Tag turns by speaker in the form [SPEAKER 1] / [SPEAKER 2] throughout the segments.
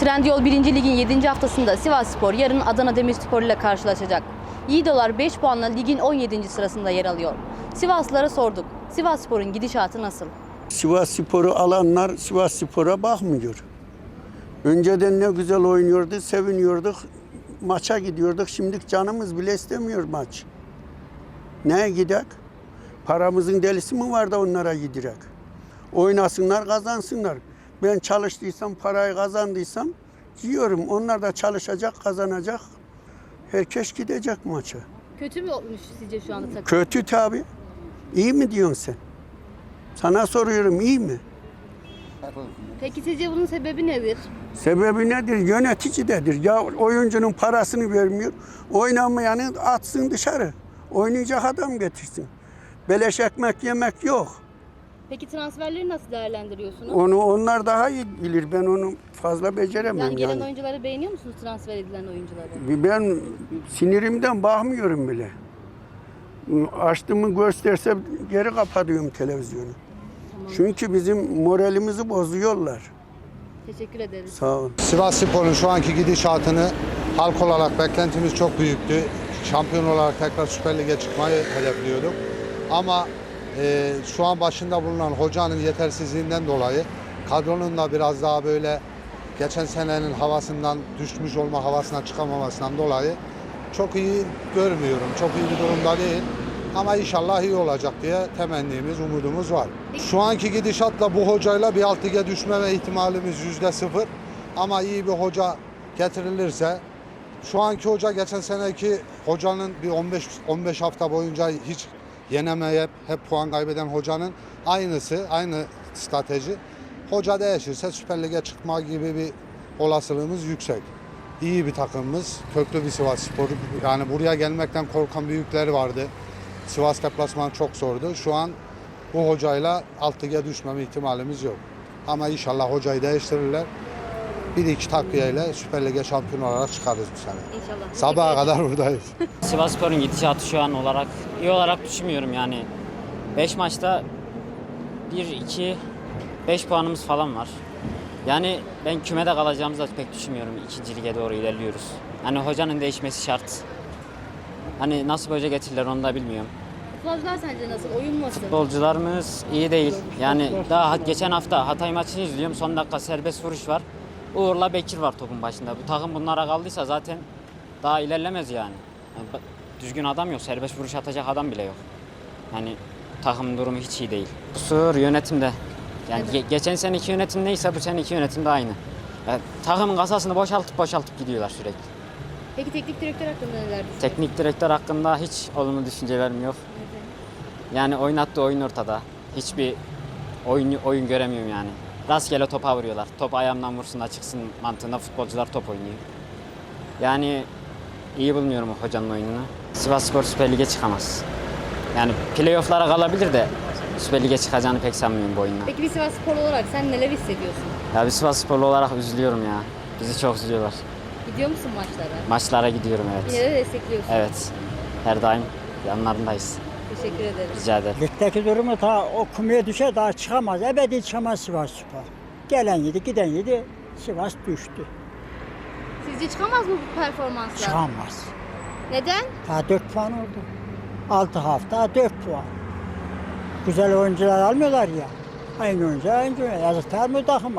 [SPEAKER 1] Trendyol 1. Lig'in 7. haftasında Sivasspor yarın Adana Demirspor ile karşılaşacak. Yiğidolar 5 puanla ligin 17. sırasında yer alıyor. Sivaslılara sorduk. Sivasspor'un gidişatı nasıl?
[SPEAKER 2] Sivasspor'u alanlar Sivasspor'a bakmıyor. Önceden ne güzel oynuyordu, seviniyorduk. Maça gidiyorduk. Şimdi canımız bile istemiyor maç. Neye gidek? Paramızın delisi mi var da onlara giderek? Oynasınlar, kazansınlar. Ben çalıştıysam, parayı kazandıysam yiyorum. Onlar da çalışacak, kazanacak. Herkes gidecek maça.
[SPEAKER 1] Kötü mü olmuş sizce şu anda takım?
[SPEAKER 2] Kötü tabii. İyi mi diyorsun sen? Sana soruyorum, iyi mi?
[SPEAKER 1] Peki sizce bunun sebebi nedir?
[SPEAKER 2] Sebebi nedir? Yöneticidedir. Ya oyuncunun parasını vermiyor. Oynamayanı atsın dışarı. Oynayacak adam getirsin. Beleş ekmek yemek yok.
[SPEAKER 1] Peki transferleri nasıl değerlendiriyorsunuz?
[SPEAKER 2] Onu onlar daha iyi bilir. Ben onu fazla beceremem
[SPEAKER 1] Yani gelen
[SPEAKER 2] yani.
[SPEAKER 1] oyuncuları beğeniyor musunuz, transfer edilen oyuncuları?
[SPEAKER 2] Ben sinirimden bakmıyorum bile. Açtığımı gösterse geri kapatıyorum televizyonu.
[SPEAKER 1] Tamam.
[SPEAKER 2] Çünkü bizim moralimizi bozuyorlar.
[SPEAKER 1] Teşekkür ederiz.
[SPEAKER 2] Sağ ol.
[SPEAKER 3] Sivasspor'un şu anki gidişatını halk olarak beklentimiz çok büyüktü. Şampiyon olarak tekrar Süper Lig'e çıkmayı hedefliyorduk. Ama şu an başında bulunan hocanın yetersizliğinden dolayı kadronun da biraz daha böyle geçen senenin havasından düşmüş olma havasına çıkamamasından dolayı çok iyi görmüyorum. Çok iyi bir durumda değil. Ama inşallah iyi olacak diye temennimiz, umudumuz var. Şu anki gidişatla bu hocayla bir alt lige düşme ihtimalimiz %0. Ama iyi bir hoca getirilirse, şu anki hoca geçen seneki hocanın bir 15 hafta boyunca hiç yenemeyip hep puan kaybeden hocanın aynısı, aynı strateji. Hoca değişirse Süper Lig'e çıkma gibi bir olasılığımız yüksek. İyi bir takımımız, köklü bir Sivasspor. Yani buraya gelmekten korkan büyükler vardı. Sivas deplasmanı çok zordu. Şu an bu hocayla alt lige düşmeme ihtimalimiz yok. Ama inşallah hocayı değiştirirler. Bir iki takviyeyle Süper Lig'e şampiyon olarak çıkarız bu sene.
[SPEAKER 1] İnşallah.
[SPEAKER 3] Sabaha kadar buradayız.
[SPEAKER 4] Sivasspor'un gidişatı şu an olarak iyi olarak düşünmüyorum yani. 5 maçta 5 puanımız falan var. Yani ben kümede kalacağımızı da pek düşünmüyorum. 2. lige doğru ilerliyoruz. Hani hocanın değişmesi şart. Hani nasıl bir hoca getirirler onu da bilmiyorum.
[SPEAKER 1] Futbolcular sence nasıl? Oyun nasıl?
[SPEAKER 4] Futbolcularımız iyi değil. Yani daha geçen hafta Hatay maçını izliyorum. Son dakika serbest vuruş var. Uğur'la Bekir var topun başında. Bu takım bunlara kaldıysa zaten daha ilerlemez yani. Düzgün adam yok. Serbest vuruş atacak adam bile yok. Yani takımın durumu hiç iyi değil. Kusur yönetimde. Yani geçen seneki yönetim neyse bu seneki yönetim de aynı. Yani takımın kasasını boşaltıp gidiyorlar sürekli.
[SPEAKER 1] Peki teknik direktör hakkında neler düşünüyorsunuz?
[SPEAKER 4] Teknik direktör hakkında hiç olumlu düşüncelerim yok. Yani oynattığı oyun ortada. Hiçbir oyun göremiyorum yani. Rastgele topa vuruyorlar. Top ayağımdan vursun da çıksın mantığında futbolcular top oynuyor. Yani iyi bulmuyorum o hocanın oyununu. Sivasspor Süper Lig'e çıkamaz. Yani playoff'lara kalabilir de Süper Lig'e çıkacağını pek sanmıyorum bu oyunla.
[SPEAKER 1] Peki bir Sivasspor olarak sen neler hissediyorsun?
[SPEAKER 4] Ya bir Sivassporlu olarak üzülüyorum ya. Bizi çok üzülüyorlar.
[SPEAKER 1] Gidiyor musun maçlara?
[SPEAKER 4] Maçlara gidiyorum evet.
[SPEAKER 1] Yine de destekliyorsun.
[SPEAKER 4] Evet. Her daim yanlarındayız.
[SPEAKER 1] Teşekkür ederim.
[SPEAKER 4] Rica ederim.
[SPEAKER 5] Ligdeki durumu ta o kumaya düşer daha çıkamaz. Ebedi çıkamaz Sivasspor. Gelen yedi, giden yedi. Sivas düştü.
[SPEAKER 1] Sizce çıkamaz mı bu performansla?
[SPEAKER 5] Çıkamaz.
[SPEAKER 1] Neden?
[SPEAKER 5] Daha 4 puan oldu. 6 hafta 4 puan. Güzel oyuncular almıyorlar ya. Aynı oyuncu. Yazıklar mı takıma?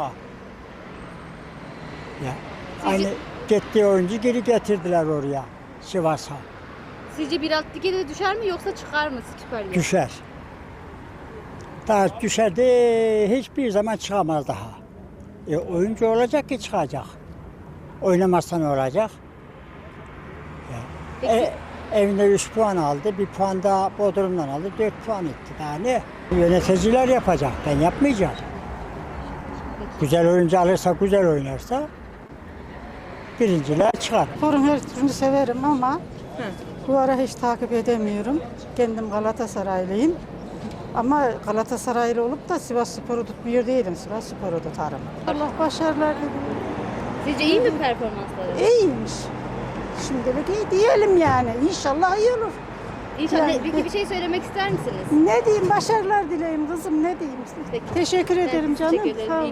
[SPEAKER 5] Ya. Aynı gittiği oyuncu geri getirdiler oraya. Sivas'a.
[SPEAKER 1] Sizce bir alt lige de düşer mi yoksa çıkar mı Süper Lig'e?
[SPEAKER 5] Düşer. Daha düşerdi hiçbir zaman çıkamaz daha. Oyuncu olacak ki çıkacak. Oynamazsa ne olacak?
[SPEAKER 1] Peki,
[SPEAKER 5] Evinde 3 puan aldı, 1 puan daha Bodrum'dan aldı, 4 puan etti. Daha ne? Yöneticiler yapacak, ben yapmayacağım. Güzel oyuncu alırsa, güzel oynarsa birinciler çıkar.
[SPEAKER 6] Sporun her türünü severim ama bu ara hiç takip edemiyorum. Kendim Galatasaraylıyım. Ama Galatasaraylı olup da Sivasspor'u tutmuyor değilim. Sivasspor'u tutarım. Allah başarılar diliyorum.
[SPEAKER 1] sizce iyi mi performansları?
[SPEAKER 6] İyiymiş. Şimdilik iyi diyelim yani. İnşallah iyi olur.
[SPEAKER 1] İnşallah.
[SPEAKER 6] Yani-
[SPEAKER 1] Peki bir şey söylemek ister misiniz?
[SPEAKER 6] Ne diyeyim? Başarılar dileyim kızım. Ne diyeyim?
[SPEAKER 1] Peki.
[SPEAKER 6] Teşekkür ederim
[SPEAKER 1] Evet,
[SPEAKER 6] canım.
[SPEAKER 1] teşekkür ederim.
[SPEAKER 6] Sağ ol.
[SPEAKER 1] İyi